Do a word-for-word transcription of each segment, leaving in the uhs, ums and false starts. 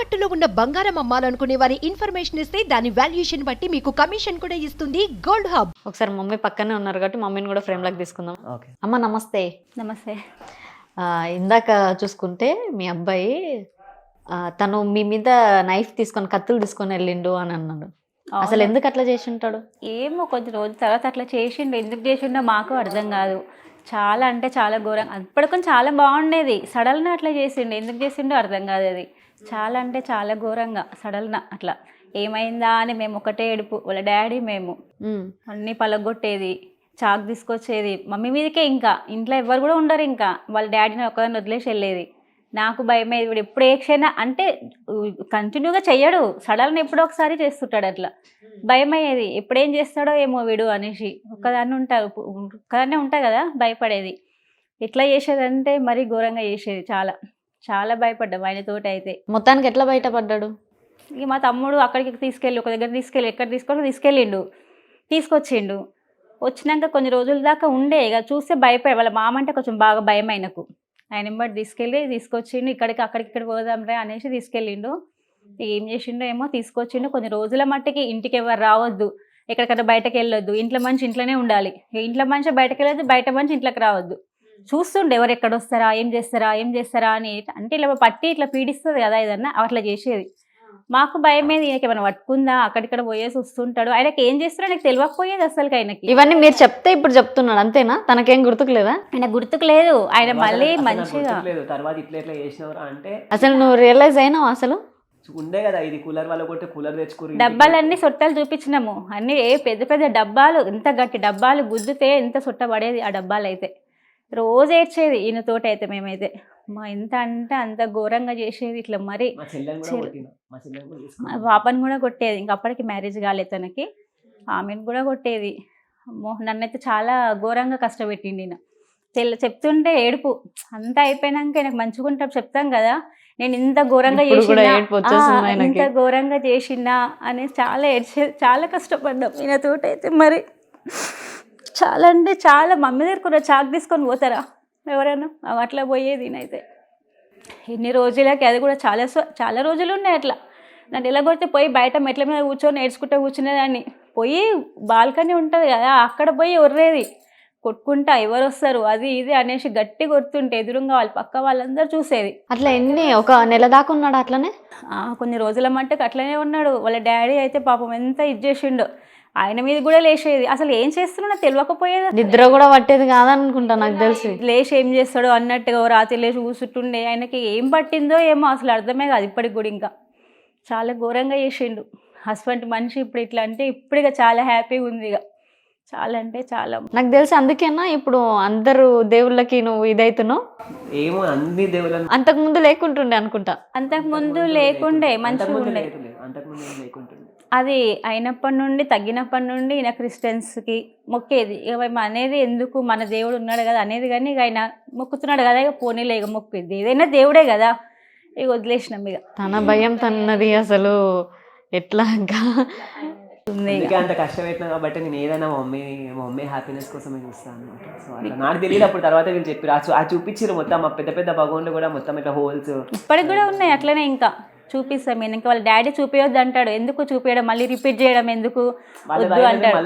తాకట్టులో ఉన్న బంగారం అమ్మాలనుకునే వారి ఇన్ఫర్మేషన్ ఇస్తే దాని వాల్యుయేషన్ బట్టి మీకు కమిషన్ కూడా ఇస్తుంది గోల్డ్ హబ్. ఒకసారి మమ్మీ పక్కనే ఉన్నారు కాబట్టి మమ్మీని కూడా ఫ్రేమ్ లాగా తీసుకుందాం. ఓకే అమ్మ నమస్తే. నమస్తే. ఆ, ఇందాక చూసుకుంటే మీ అబ్బాయి ఆ, తను మీ మీద నైఫ్ తీసుకొని కత్తులు తీసుకొని వెళ్ళిండు అని అన్నాడు. అసలు ఎందుకు అట్లా చేసి ఉంటాడు? ఏమో కొద్ది రోజుల తర్వాత అట్లా చేసిండు. ఎందుకు చేసిండో మాకు అర్థం కాదు. చాలా అంటే చాలా ఘోరంగా, అప్పటికొని చాలా బాగుండేది. సడల్న అట్లా చేసిండు. ఎందుకు చేసిండో అర్థం కాదు. అది చాలా అంటే చాలా ఘోరంగా సడల్న అట్లా ఏమైందా అని మేము ఒకటే ఏడుపు. వాళ్ళ డాడీ మేము అన్నీ పలగొట్టేది, చాకు తీసుకొచ్చేది మమ్మీ మీదకే. ఇంకా ఇంట్లో ఎవరు కూడా ఉండరు. ఇంకా వాళ్ళ డాడీని ఒకదాన్ని వదిలేసి వెళ్ళేది. నాకు భయమేది. వీడు ఎప్పుడు ఏ క్షణ అంటే కంటిన్యూగా చెయ్యడు, సడన్ ఎప్పుడో ఒకసారి చేస్తుంటాడు. అట్లా భయమయ్యేది. ఎప్పుడేం చేస్తాడో ఏమో వీడు అనేసి. ఒక్కదాన్ని ఉంటారు, ఒక్కదాన్నే ఉంటా కదా, భయపడేది. ఎట్లా చేసేదంటే మరీ ఘోరంగా చేసేది. చాలా చాలా భయపడ్డాం ఆయనతోటి అయితే. మొత్తానికి ఎట్లా బయటపడ్డాడు? ఇక మా తమ్ముడు అక్కడికి తీసుకెళ్ళి ఒక దగ్గర తీసుకెళ్ళి ఎక్కడ తీసుకొని తీసుకెళ్ళిండు, తీసుకొచ్చిండు. వచ్చినాక కొన్ని రోజుల దాకా ఉండే. ఇక చూస్తే భయపడే, వాళ్ళ మామ అంటే కొంచెం బాగా భయం ఆయనకు. ఆయన బట్టి తీసుకెళ్ళి తీసుకొచ్చిండు. ఇక్కడికి అక్కడికి ఇక్కడ పోదాంరా అనేసి తీసుకెళ్ళిండు. ఏం చేసిండో ఏమో, తీసుకొచ్చిండు. కొన్ని రోజుల మట్టికి ఇంటికి ఎవరు రావద్దు, ఎక్కడికన్నా బయటకు వెళ్ళొద్దు, ఇంట్లో మనిషి ఇంట్లోనే ఉండాలి. ఇంట్లో మనిషి బయటకు వెళ్ళొద్దు, బయట మనిషి ఇంట్లోకి రావద్దు. చూస్తుండే ఎవరు ఎక్కడ వస్తారా, ఏం చేస్తారా ఏం చేస్తారా అని. అంటే ఇలా పట్టి ఇట్లా పీడిస్తుంది కదా ఏదన్నా, అట్లా చేసేది. మాకు భయమేది. ఈయనకి ఏమైనా పట్టుకుందా, అక్కడిక్కడ పోయేసి వస్తుంటాడు. ఆయనకి ఏం చేస్తాడో నాకు తెలియకపోయేది అసలు. ఆయనకి ఇవన్నీ మీరు చెప్తే ఇప్పుడు చెప్తున్నాడు అంతేనా? తనకేం గుర్తుకు లేదా? ఆయన గుర్తుకు లేదు. ఆయన మళ్ళీ మంచిగా తర్వాత ఇట్లా ఇట్లా చేసినవరా అంటే అసలు నువ్వు రియలైజ్ అయినావు? అసలు ఉండే కదా ఇది కూలర్ వాళ్ళ కొట్టే కూలర్ తెచ్చుకుని డబ్బాలన్నీ సొట్టలు చూపించినాము. అన్ని ఏ పెద్ద పెద్ద డబ్బాలు, ఎంత గట్టి డబ్బాలు గుద్దుతే ఎంత సొట్ట పడేది ఆ డబ్బాలు అయితే. రోజు ఏడ్చేది ఈయనతోటి అయితే. మేమైతే మా ఎంత అంటే అంత ఘోరంగా చేసేది. ఇట్లా మరి పాపని కూడా కొట్టేది. ఇంక అప్పటికి మ్యారేజ్ కాలేదు తనకి. ఆమెను కూడా కొట్టేది. అమ్మో, నన్నైతే చాలా ఘోరంగా కష్టపెట్టిండి. ఈయన తెల్ల చెప్తుంటే ఏడుపు. అంతా అయిపోయినాక నాకు మంచిగా ఉంటాం చెప్తాం కదా, నేను ఇంత ఘోరంగా చేసినా ఇంత ఘోరంగా చేసినా అని చాలా ఏడ్చే, చాలా కష్టపడ్డాం ఈయనతోటి అయితే. మరి చాలా అంటే చాలా. మమ్మీ దగ్గర కూడా చాక్ తీసుకొని పోతారా ఎవరైనా, అట్లా పోయేది నేనైతే. ఎన్ని రోజులకి అది కూడా చాలా చాలా రోజులు ఉన్నాయి అట్లా. నన్ను ఎలా కొడితే పోయి బయట మెట్ల మీద కూర్చొని నేర్చుకుంటూ కూర్చునేదాన్ని. పోయి బాల్కనీ ఉంటుంది కదా, అక్కడ పోయి ఒర్రేది కొట్టుకుంటా. ఎవరు వస్తారు అది ఇది అనేసి గట్టి కొడుతుంటే ఎదురుగా వాళ్ళు పక్క వాళ్ళందరూ చూసేది. అట్లా ఎన్ని ఒక నెల దాకా ఉన్నాడు అట్లనే? కొన్ని రోజుల మట్టుకు అట్లనే ఉన్నాడు. వాళ్ళ డాడీ అయితే పాపం ఎంత ఇది చేసిండో. ఆయన మీద కూడా లేచేది. అసలు ఏం చేస్తున్నా తెలియకపోయేది. నిద్ర కూడా పట్టేది కాదనుకుంటా నాకు తెలిసి. లేచి ఏం చేస్తాడో అన్నట్టుగా రాత్రి లేచి కూర్చుంటుండే. ఆయనకి ఏం పట్టిందో ఏమో అసలు అర్థమే కాదు ఇప్పటికి కూడా. ఇంకా చాలా ఘోరంగా చేసిండు. హస్బెండ్ మనిషి ఇప్పుడు ఇట్లా అంటే ఇప్పుడు ఇక చాలా హ్యాపీగా ఉంది. ఇక చాలా అంటే చాలా. నాకు తెలిసి అందుకేనా ఇప్పుడు అందరూ దేవుళ్ళకి నువ్వు ఇదైతున్నావు ఏమో. అన్ని దేవుళ్ళ అంతకు ముందు లేకుంటుండే అనుకుంటా. అంతకు ముందు లేకుండే, మంచిగా ఉండే. అది అయినప్పటి నుండి తగ్గినప్పటి నుండి ఈయన క్రిస్టియన్స్కి మొక్కేది. ఇక మేము అనేది ఎందుకు, మన దేవుడు ఉన్నాడు కదా అనేది. కానీ ఇక ఆయన మొక్కుతున్నాడు కదా, ఇక పోనీలే ఇక మొక్కేది. ఏదైనా దేవుడే కదా, ఇక వదిలేసినాం. ఇక తన భయం తన్నది. అసలు ఎట్లా అంత కష్టపెట్టినా కాబట్టి నేను ఏదైనా మా మమ్మీ మా మమ్మీ హ్యాపీనెస్ కోసమే చూస్తాను అనమాట. సో అట్లా నాకు తెలియదు అప్పుడు. తర్వాత వీళ్ళు చెప్పారు, ఆ చూపించారు మొత్తం. మా పెద్ద పెద్ద భగవాన్లు కూడా మొత్తం ఇట్లా హోల్స్ ఇప్పటికి కూడా ఉన్నాయి అట్లనే. ఇంకా చూపిస్తాం నేను. ఇంకా వాళ్ళ డాడీ చూపించొద్దు అంటాడు. ఎందుకు చూపించడం, మళ్ళీ రిపీట్ చేయడం ఎందుకు వద్దు అంటాడు.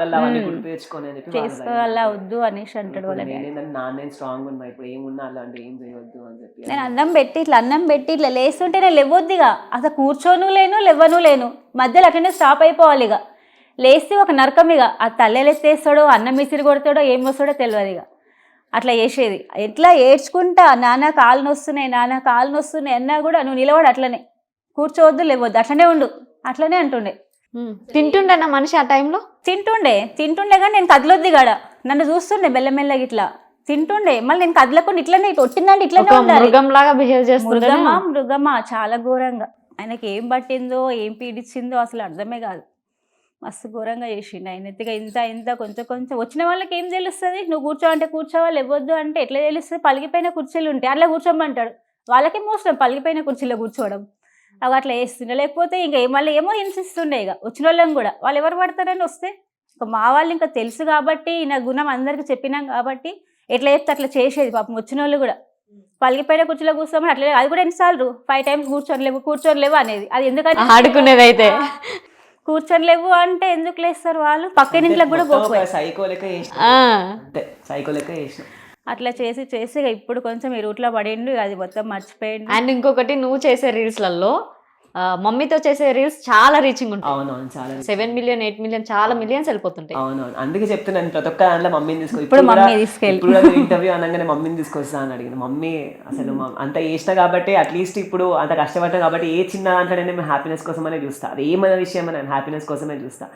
చేసుకోవాలా వద్దు అనేసి అంటాడు వాళ్ళ డాడీ. నేను స్ట్రాంగ్ ఉన్నా ఇప్పుడు, ఏమున్నా అలాంటి ఏం చేయవద్దు అని చెప్పి. నేను అన్నం పెట్టి ఇట్లా అన్నం పెట్టి ఇట్లా లేస్తుంటే నేను లేవద్దు. ఇక అసలు కూర్చోను లేను, లేవను లేను, మధ్యలో అట్లనే స్టాప్ అయిపోవాలి. ఇక లేస్తే ఒక నరకం. ఇక ఆ తల్లెలు ఎత్తేస్తాడో, అన్నం మిసిరి కొడతాడో, ఏం వస్తాడో తెలియదు. ఇక అట్లా చేసేది. ఎట్లా ఏడ్చుకుంటా, నాన్న కాళ్ళు నొస్తున్నాయి, నాన్న కాళ్ళు నొస్తున్నాయి అన్నా కూడా నువ్వు నిలబడు, అట్లనే కూర్చోవద్దు, లేవద్దు, అట్లనే ఉండు, అట్లనే అంటుండే. తింటుండే నా మనిషి ఆ టైంలో. తింటుండే తింటుండే కానీ నేను కదలొద్ది కాడ. నన్ను చూస్తుండే మెల్లమెల్లగా ఇట్లా తింటుండే. మళ్ళీ నేను కదలకుండా ఇట్లనే ఒట్టిందంటే ఇట్లనే ఉండాలి. మృగంలాగా బిహేవ్ చేస్తుండే. మృగమా మృగమా చాలా ఘోరంగా. ఆయనకి ఏం పట్టిందో ఏం పీడించిందో అసలు అర్థమే కాదు. మస్తు ఘోరంగా చేసిండు ఆయన. ఎత్తుగా ఇంత ఇంత కొంచెం కొంచెం వచ్చిన వాళ్ళకి ఏం తెలుస్తుంది. నువ్వు కూర్చో అంటే కూర్చోవాలి, ఇవ్వద్దు అంటే ఎట్లా తెలుస్తుంది. పలిగిపోయిన కుర్చీలు ఉంటాయి, అట్లా కూర్చోమంటాడు. వాళ్ళకి మోసం పలిగిపోయిన కుర్చీలో కూర్చోవడం. అవి అట్లా వేస్తుండే. లేకపోతే ఇంకా మళ్ళీ ఏమో హింసిస్తుండే. ఇక వచ్చిన వాళ్ళని కూడా వాళ్ళు ఎవరు పడతారని వస్తే ఇంకా మా వాళ్ళు ఇంకా తెలుసు కాబట్టి, నా గుణం అందరికీ చెప్పినాం కాబట్టి ఎట్లా చెప్తే అట్లా చేసేది. పాపం వచ్చిన వాళ్ళు కూడా పలిగిపోయిన కుర్చీలో కూర్చోమని అట్లే, అది కూడా ఎన్నిసార్లు ఫైవ్ టైమ్స్ కూర్చొని కూర్చొని లేవు అనేది. అది ఎందుకంటే ఆడుకునేది అయితే కూర్చొని లేవు అంటే ఎందుకు లేస్తారు వాళ్ళు, పక్కన ఇంట్లోకి కూడా పోకపోయి సైకో లెక్క చేసిన, ఆ, అంతే సైకో లెక్క చేసిన. అట్లా చేసి చేసి ఇక ఇప్పుడు కొంచెం ఈ రూట్లో పడిండు, అది మొత్తం మర్చిపోయిండు. అండ్ ఇంకొకటి నువ్వు చేసే రీల్స్లలో మమ్మీతో చేసే రీల్స్ చాలా రీచింగ్ ఉంటాయి. అవునవును చాలా సెవెన్ మిలియన్ ఎయిట్ మిలియన్ చాలా మిలియన్స్ వెళ్ళిపోతుంటాయి. అవునవును, అందుకే చెప్తున్నాను ప్రతి ఒక్క దాంట్లో మమ్మీని తీసుకో. ఇప్పుడు మమ్మీ తీసుకెళ్ళి ఇంటర్వ్యూ అనగానే మమ్మీని తీసుకొస్తా అని అడిగింది. మమ్మీ అసలు మ- అంత చేసిన కాబట్టి అట్లీస్ట్ ఇప్పుడు అంత కష్టపడ్డా కాబట్టి ఏ చిన్న దాంట్లో నేను హ్యాపీనెస్ కోసమనే చూస్తా, అది ఏమైనా విషయం నేను హ్యాపీనెస్ కోసమే చూస్తా.